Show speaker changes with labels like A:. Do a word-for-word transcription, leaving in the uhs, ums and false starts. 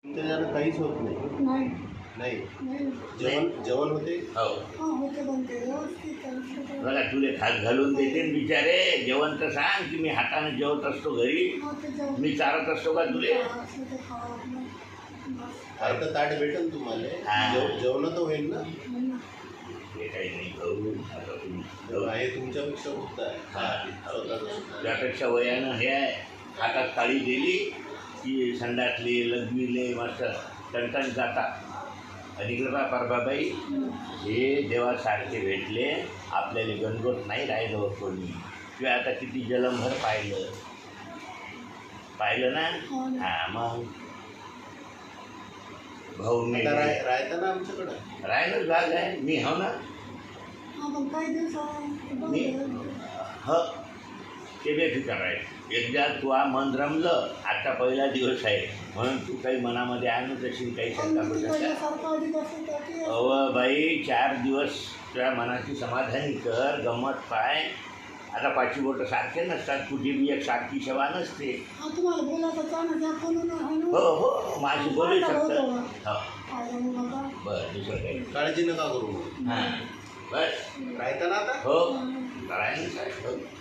A: त्याच्यानं काहीच होत नाही.
B: नाही
A: नाही
B: नाही
A: जेवण जेवण होते.
C: हो
B: हा होते बनते व्यवस्थित औषधं.
C: बघा तुले खात घालून देते न बिचारे. जेवण तर सांग की मी हाताने जेवत असतो घरी.
B: हा, ते जेवण-
C: मी चारत असतो का तुले?
B: हा, औषधं खावा आपलं. बस.
A: अर्ध ताट भेटेल तुम्हाला.
C: हा.
A: जेव जेवण तर होईल ना.
B: नाही ना.
C: हे काही नाही भाऊ. आता तुम्ही
A: जेवण आहे तुमच्यापेक्षा होत आहे.
C: हा.
A: स्वतःचं सुद्धा.
C: त्यापेक्षा वयानं हे आहे. हातात थाळी दिली की संडासले लघवीले मस्त टणटण जातात. आणि इकडे बा परबाबाई हे देवासारखे भेटले आपल्याला गणगोत नाही राहिलं कोणी. किंवा आता किती जलमभर पाहिलं पाहिलं ना.
B: हो ना.
C: हां मग भाऊ मी
A: आता राय राहता ना आमच्याकडं.
C: राहिलं झालं आहे मी हो ना.
B: हा, पण काही दिवस
C: मी ह ते बेफिकर आहे. एकदा तुला मन रमलं. आता पहिला दिवस आहे म्हणून तू काही मनामध्ये आणत असेल काही शंका पडत. अव बाई चार दिवस तुझ्या मनाची समाधानी कर. गंमत पाय. आता पाचवी बोटं सारखे नसतात. तुझी बी एक सारखी सेवा नसते.
B: तुम्हाला बोलायचं चालू द्या बोलून आहे ना.
C: हो हो माझी बोलू शकतं. हो
B: काय जाऊ बाबा.
C: बरं दुसरं काही
A: काळजी नका करू.
C: हां बस
A: राहता ना आता.
C: हो राहिलं काय हो